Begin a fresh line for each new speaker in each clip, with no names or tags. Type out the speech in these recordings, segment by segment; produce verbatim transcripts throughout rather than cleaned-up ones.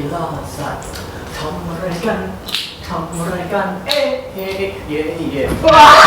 ล่าสัตว์ทำอะไรกันทำอะไรกันเอ๊ะเฮ้เย่เย่ว้า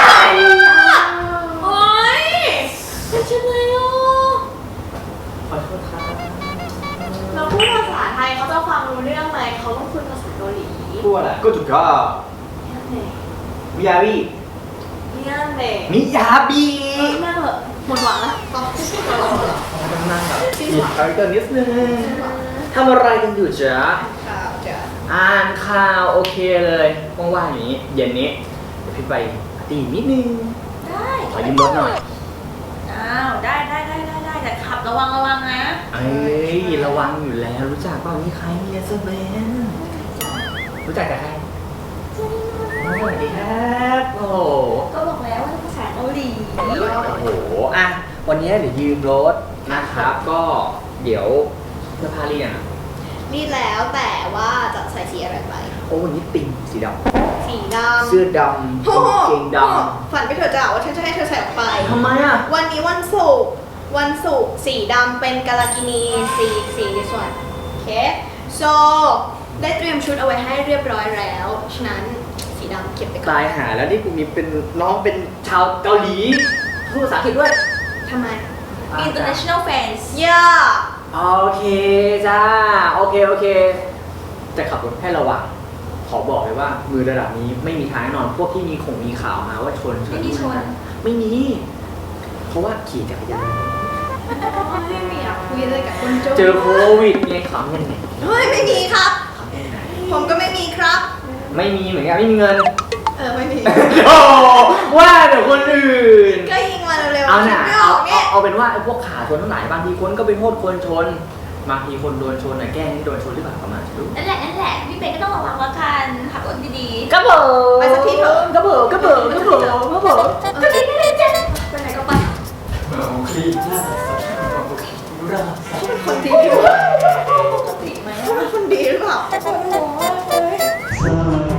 โอ๊ยเป็นยังไงอ่ะ
ขอโทษครับ
เราพูดภาษาไทยเขาจะฟังรู้เรื่องไหมเขาต้องพูดภาษาเกาหลี
พูดอะไรก็ถูกก็
เนี่ย
มิยาบิ
เนี่ยเน่
มิยาบิ
เออนั่งเหอะหมดหวังแล้วต่อ
นั่งแบบหยิบคาแรคเตอร์นิดนึงทำอะไรกันอยู่จ๊ะ
ข่าวจ้ะ
อ่านข่าวโอเคเลยว่างๆอย่างนี้เย็นนี้เดี๋ยวพี่ไปปาร์ตี้นิดนึง
ได้
ขอยืมรถหน่อย
อ้าวได้ได้ได้ได้ได้แต่ขับระวังระวังนะ
เอ้ยระวังอยู่แล้วรู้จักเปล่านี่ใครเมียเซอร์เบนรู้จักกับใครสวัสดีครับโอ้โห
ก็บอกแล้วว่าภาษาเกาหลี
โอ้โหอ่ะวันนี้เดี๋ยวยืมรถนะครับก็เดี๋ยวเสื้อผ้าเรียนอะ
นี่แล้วแต่ว่าจะใส่สีอะไรไป
โอ้วันนี้ติ่งสีด
สีด
ำ
ำ
เสื้อดำกางเกงด
ฝันไปเถอะจ้ะว่าฉันจะให้เธอใส่ออกไป
ำทำไมอ่ะ
วันนี้วันศุกร์วันศุกร์สีดำเป็นกาลากินีสีสีในส่วนโอเค so ได้เตรียมชุดเอาไว้ให้เรียบร้อยแล้ว ฉะนั้นสีดำเก็บไปก่อน
ตายหาแล้วนี่กูมีเป็นน้องเป็นชาวเกาหลีพูดภาษาอังกฤษด้วย
ทำไม
International fans
ย่า
โอเคจ้าโอเคโอเคจะขับรถให้ระวังขอบอกเลยว่ามือระดับนี้ไม่มีทางแน่นอนพวกที่มีคงมีข่าวมาว่าชน
ไม่มีชน
ไม่มี เพราะว่าขี่จักรยาน
ไม่มีอ่ะคุยอะไรกับคนโจ
เจอโควิดไงขำยังไง
เฮ้ยไม่มีครับ
ขำยังไง
ผมก็ไม่มีครับ
ไม่มีเหมือนกันไม่มีเงิน
เออไม่มี
โอ้ว่าเดี๋ยวคนอื่น
ก็ยิงมาเร็วๆ
เอาหน่ะ
ไม่อ
เอา
อก
เอา
เนี่ย
เอาเป็นว่าไอ้พวกขาชนทั้งหลายบางทีคนก็ไปโทษคนชนบางทีคนโดนชนน่ะแกล้งให้โดนชนหรือเปล่าประมาณรู้
นั่นแหละนั่นแหละพี่เบนก็ต้องระวังละกันขับรถดี
กระเบิด
ไปสักทีเถอะ
กระเบิดกระเบิดกระเบิดกระเบิด
ๆก็ดีพี่เบนจ้ะไปไหนก็ไป
คลีน่าดูรา
เป็นคนดีหรือเปล่า
ปกติไหม
เขาเป็นคนดีหรือเปล่าโอ้โหเลย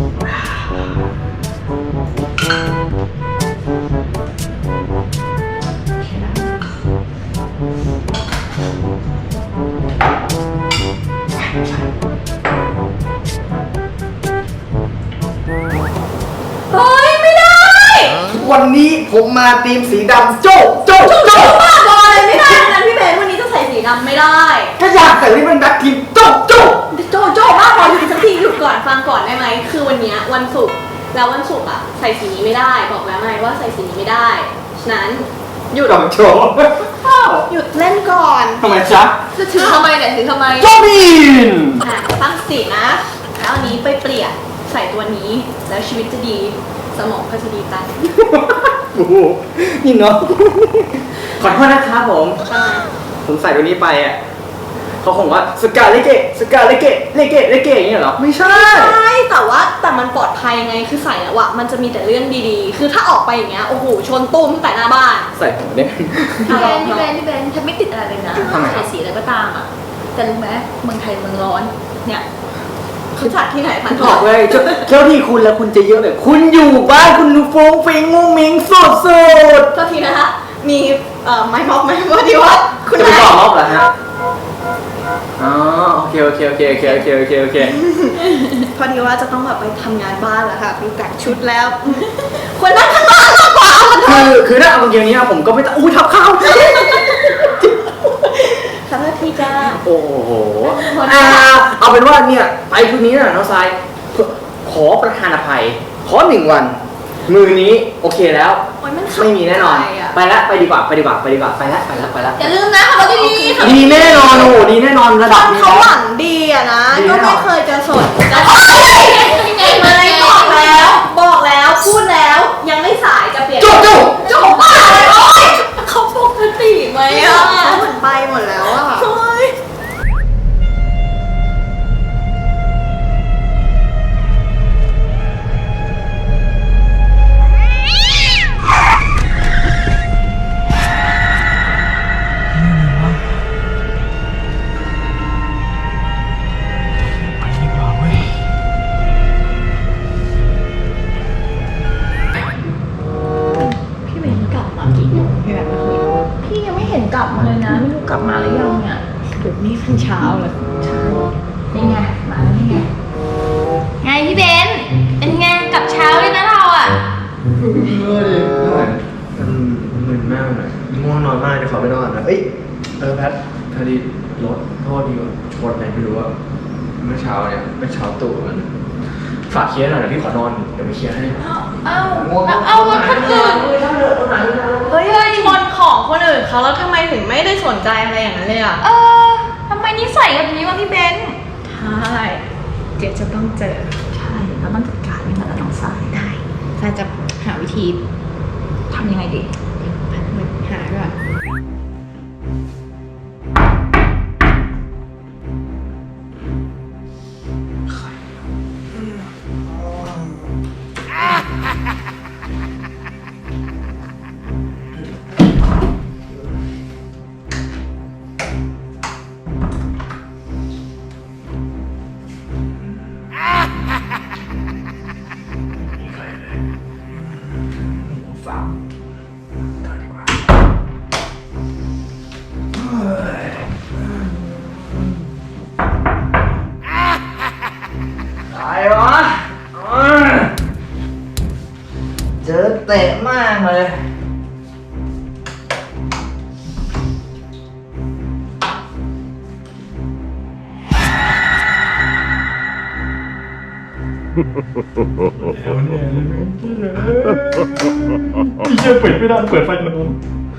เฮ้ยไม่ได้
วันนี้ผมมาทีมสีดำโจ๊กโจ๊กโจ๊ก
บ้าบอเลยไม่ได้นะพี่เบนวันนี้จะใส่สีดำไม่ได้
ถ้าอยากใส่ที่เป็นแบ็คทีมโจ๊กโจ๊ก
โจโจ้บ้าบอหยุดสักทีหยุดก่อนฟังก่อนได้ไหมคือวันเนี้ยวันศุกร์แล้ววันศุกร์อะใส่สีนี้ไม่ได้บอกแล้วไงว่าใส่สีนี้ไม่ได้ฉะนั้นหยุด
ดอกโจ๊ก
หยุดเล่นก่อน
ทำไมจ๊ะ
จะถือทำไมเนี่ยถือทำไม
โจ๊กบิน
อ่ะตั้งสตินะแล้วอันนี้ไปเปลี่ยนใส่ตัวนี้แล้วชีวิตจะดีสมองก็จะดีตาม
โอ้โหนี่เนาะขอโทษนะครับผม ผมใส่ตัวนี้ไปอ่ะเขาคงว่าสกาเลเกะสกาเลเกะเลเกะเลเกะอย่างเงี้ยเหรอไม่ใช่
ใช่แต่ว่าแต่มันปลอดภัยไงคือใส่แล้วอะมันจะมีแต่เรื่องดีๆ คือถ้าออกไปอย่างเงี้ยโอ้โหชนตุ้มตั้งแต่หน้าบ้าน
ใส่หัวเนี่ย
พี่เบนพี่เบนพี่เบนฉันไม่ติดอะไรเลยนะ
ทำไมครับ
ใส่สีอะไรก็ตามอ่ะแต่รู้ไหมเมืองไทยเมืองร้อนเนี่ย
คือจัดที่ไหนพัน
บอก เลยเจ้าเจ้าที่คุณแล้วคุณจะเยอะแบบคุณอยู่บ้านคุณฟงฟิงมุ้งมิงสุดสุด
ก็ทีนะคะมีเอ่อไม้ม็อบไหมว่าดีว่าคุณ
จะไป
นาย
ต่อรอบเหรอฮะอ๋อโอเคโอเคโอเคโอเคโอเคโอเคโอเค
พอดีว่าจะต้องแบบไปทำงานบ้านแล้วค่ะดูแต่งชุดแล้วควรนั่งข้างล่างมากกว่า
คือคือถ้าเอาเกมนี้ผมก็ไม่ต้องอู้ทับข้าว
ขอโทษทีจ้า
โอ้โหอ่าเอาเป็นว่าเนี่ยไปคืนนี้น่ะน้องทรายขอประทานอภัย ขอหนึ่งวัน มือนี้โอเคแล้ว
โอ้ยมันขับ
ไม่มีแน่นอน
ไปอะ
ไปละไปดีกว่าไปดีกว่าไปดีกว่าไปละไปละไปละ
อย่าลืมนะขับรถดีๆขับรถ
ดีแน่นอนโอ้โหดีแน่นอนระ
ต
ดั
อบ น
นี้
เขาห
แล้ว
วังดีอะนะ
ดี
ก็
แน่น
ไม่
อน
เคยจะสนจะ
ยังไง
ไม่
มา
บอกแล้ว บอกแล้วพูดแล้วยังไม่สายจะเปลี่ยน
จุ๊บจุ๊บ
จบบ้าเลยโอ๊ย
เขาปกติไหม
ไม่
อ่ะ
อะเหมือนไปหมดแล้วอะ
โอ๊ย พี่เบนกลับมากี่โมงพี่แบบเมื่อคืนพี่ยังไม่เห็นกลับมาเลยนะไม่รู้กลับมาหรือยังเนี่ยเดี๋ยวนี้เพิ่งเช้าเลยเช้านี่ไงมาแล้วนี่ไงไงพี่เบนเป็นไงกลับเช้าเลยนะเราอ่ะ
เออดิมันมึนมากเลยง่วงนอนมากเดี๋ยวขอไปนอนนะเอ้ยเออแพทพอดีรถโทษดีกว่าชนไหนไม่รู้อะเมื่อเช้าเนี่ยเมื่อเช้าตู่มันฝากเคลียร์หน่อยเดี๋ยวพี่ขอนอนเดี๋ยวไปเคลียร์ให้
เอ้าเอารถคนอื่นเฮ้ยเฮ้ย
ชนของคนอื่นเขาแล้วทำไมถึงไม่ได้สนใจอะไรอย่างนั้นเลยอ่ะ
เออทำไมนิสัยแบบนี้วะพี่เบน
ใช่เจ๊จะต้องเจอ
ใช่เราต้องจัดการมันกับน้องสายได้
ถ้าจะหาวิธี
ทำยังไงดี
หาด้วย
ฝากเดินดีกว่าอะไรวะเจอเตะมากเลยพี่เชื่อปิดไม่ได้เปิดไฟนอน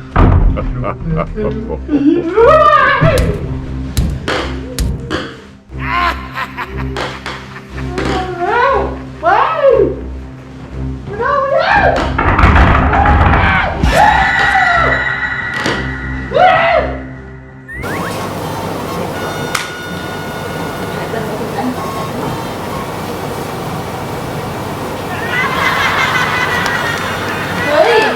เฮ้ย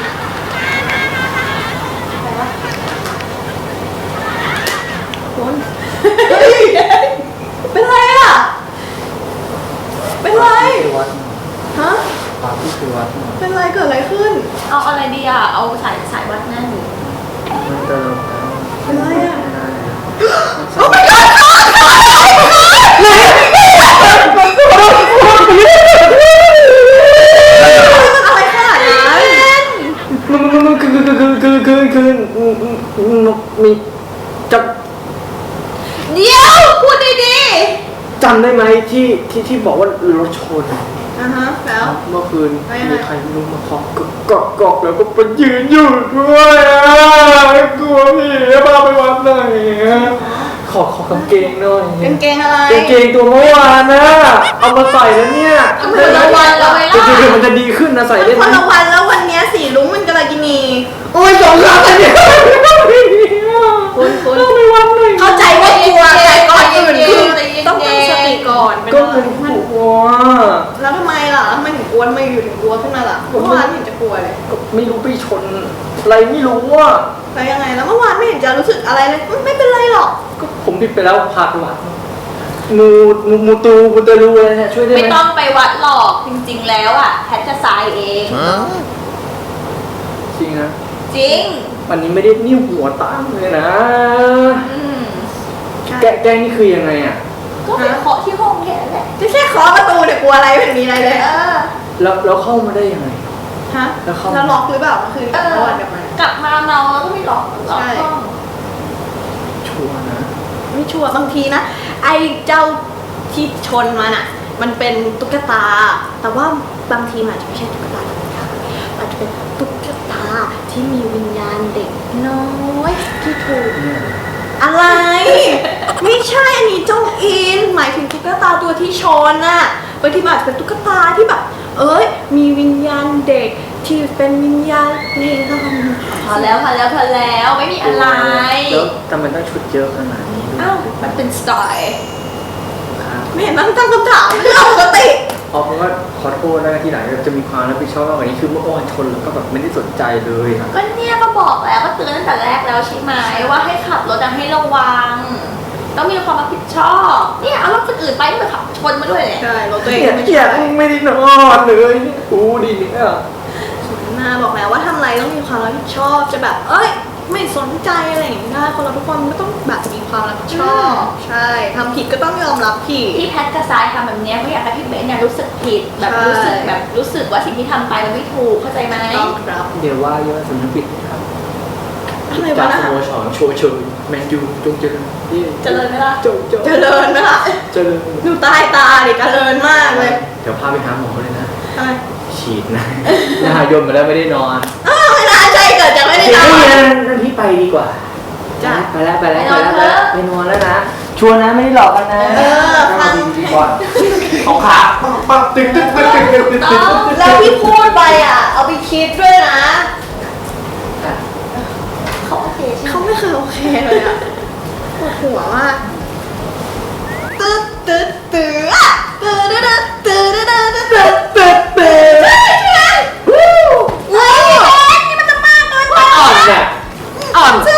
คุณเป็นไรอ่ะ เป็นไร
วัด
ฮะ
ปาที่คือวัด
เป็นไรเกิดอะไรขึ้น
เอาอะไรดีอ่ะ เอาสายสายวัดแน่นอยู่
มันตลก
เป็นไรอ่ะ
โอ้ my god
อะไรขนาดนั้น
มันมันมันคือคือคือคือคือคือมีจ
เดี๋ยวพูดดี
ำจำได้ไหมที่ที่ที่บอกว่ารถชน
อ่ะฮะ แล้ว
เมื่อคืน
ไม่ไม่
มีใครไม่รู้มาเคาะกกอกกอกแล้วก็ไปยืนอยู่ด้วยอ่ะกลัวผีพาไปวัดหน่อยอ่ะขอขอกางเกงหน่อย
กางเกงอะไร
กางเกงตัวเมื่อวานนะเอามาใส่แล้วเนี่ย
ๆคนละวันเราไง
จ
ล่ะ
ริงๆมันจะดีขึ้นนะใส่ได้
ค
ไหม
นละวันแล้ววันเนี้ยสีลุ้งมันกาลากินี
โอ้ยสองครั้งเลยเนี่ย
คุณคุณ
เอาไปวัดหน่อย
เข้าใจว่ากลัวแต่ก่อนอื่นคือต้องตั้งสติก่อนเป็น
ก็
อะไร
มันกลัว
แล้วทำไมล่ะทำไมถึงกลัวทำไมอยู่ถึงกลัวขึ้นมาล่ะเมื่อวานไม่เห็นจะกลัวเลย
ก็ไม่รู้ไปชนอะไรไม่รู้อ่ะ
แล้วยังไงแล้วเมื่อวานไม่เห็นจะรู้สึกอะไรเลยอืมไม่เป็นไรหรอก
ก็ผมผิดไปแล้วพาไปวัดมูมูมูตูมูตะลูอะไรเนี่ยช่วยได้ไหม
ไม่ต้องไปวัดหรอก จริงๆแล้วอ่ะแพทจะทรายเอง
จริงนะ
จริง
วันนี้ไม่ได้นิ้วหัวตั้งเลยนะ
อืม
แกแกล้งนี่คือยังไงอ่ะ
ก็ไปเคาะที่ห้องแค่นั้นแหละ
จะแค่เคาะประตูเนี่ยกลัวอะไรไม่เห็นมีอะไรเลย
เออ
แล้วแล้วเข้ามาได้ยังไง
ฮะ
แล้วเข้า
แล้วล็อกหรือเปล่าเมื่อคืน
เอ
เมื่อ
อ
วานกลับมาก
ลับมาเมาแล้วก็ไม่หลอกหลอก
ใช่
ห้อง
ชัวร์นะ
ไม่ชัวร์บางทีนะ ไอ้เจ้าที่ชนมันอ่ะ มันเป็นตุ๊กตา แต่ว่าบางทีมันอาจจะไม่ใช่ตุ๊กตาธรรมดาอาจจะเป็นตุ๊กตาที่มีวิญญาณเด็กน้อยที่ถูก อะไร ไม่ใช่อันนี้จงอิน หมายถึงตุ๊กตาตัวที่ชนน่ะบางทีมันอาจจะเป็นตุ๊กตาที่แบบ เอ้ย มีวิญญาณเด็กที่เป็นวิญญาณนี่ก็ทำ
พอแล้วพอแล้วพอแล้วไม่มีอะไร
แล้วแต่มันต้องชุดเยอะขนาดนี้ด้วย
อ้าวมันเป็นสไตล์
ครับ
ไม่เห็นต้องตั้งคำถามเรื่องปกติ
เอาเป็นว่าขอโทษนะที่ไหนจะมีความรับผิดชอบมากกว่านี้คือเมื่อวานชนแล้วก็แบบไม่ได้สนใจเลยครับ
ก็เนี่ยก็บอกแล้วก็เตือนตั้งแต่แรกแล้วใช่ไหมว่าให้ขับรถอะให้ระวัง ต้องมีความรับผิดชอบเนี่ยเอารถคนอื่นไปก็ไปขับชนมาด้วยเนี่ย
ใช่รถตัวเอง
เนี่ย
ไม่
เนี่
ใช่
ยไม่ได้นอนเลยกูดีเนี่ย
หน้าบอกแล้วว่าทำอะไรต้องมีความรับผิดชอบจะแบบ เอ้ย ไม่สนใจอะไรอย่างเงี้ยได้คนเราทุกคนก็ต้องแบบมีควความรับผิดชอบใช่ทำผิดก็ต้องยอมรับผิด
ที่แพทกับทรายทำแบบเนี้ยเพราะอยากให้พี่เบนเนี่ยรู้สึกผิดแบบ
ใช่
รู้สึกแบบรู้สึกว่าสิ่งที่ทำไปมันไม่ถูกเข้าใจไหม
ต้องรับ
เดี๋ยวว่าเยอะสำนึกผิดครับ
อะไร
จาว
ะ
ก
นะ
สโมสรโชว์เชยแมนยูจงเจริญที่
เจริญไหมล่ะ
จงจง
เจริญนะคะ
เจริญ
ดูใต้ตาดิเจริญมากเลย
เดี๋ยวพาไปหาหมอเลยนะ
ทำไม
ฉีดนะหน้ายมมาแล้วไม่ได้นอน
อ้าวไม่น่าใช่เกิดจากไม่ได้นอ
เฮ้ย
น
นั่นพี่ไปดีกว่า
จ้ะ
ไปแล้วไปแล้วไปแล้วไปแล้วไปนอนแล้วนะชวนนะไม่ได้หลอกกันนะ
เออฟัง
ดีก่อนของขาปังปังตึ๊กตึ๊กตึ๊กตึ๊กตึ๊กตึ๊กตึ๊ก
แล้วที่พูดไปอ่ะ เอาไปคิดด้วยนะ
เขาโอเคใช่ไหม
เขาไม่เคยโอเคเลยอ่ะปวดหัวมากตึ๊ดตึ๊ดตึ๊ดอะตึ๊ดตึ๊ดตึ๊ดตึ๊ดตึ๊ดตึ๊ดตึ๊ดตึ๊ดใช่ใช่ไหมวู้ว้าวนี่มันจะมากเกินไป
อ่อนเนี่ยอ่อน
ใช่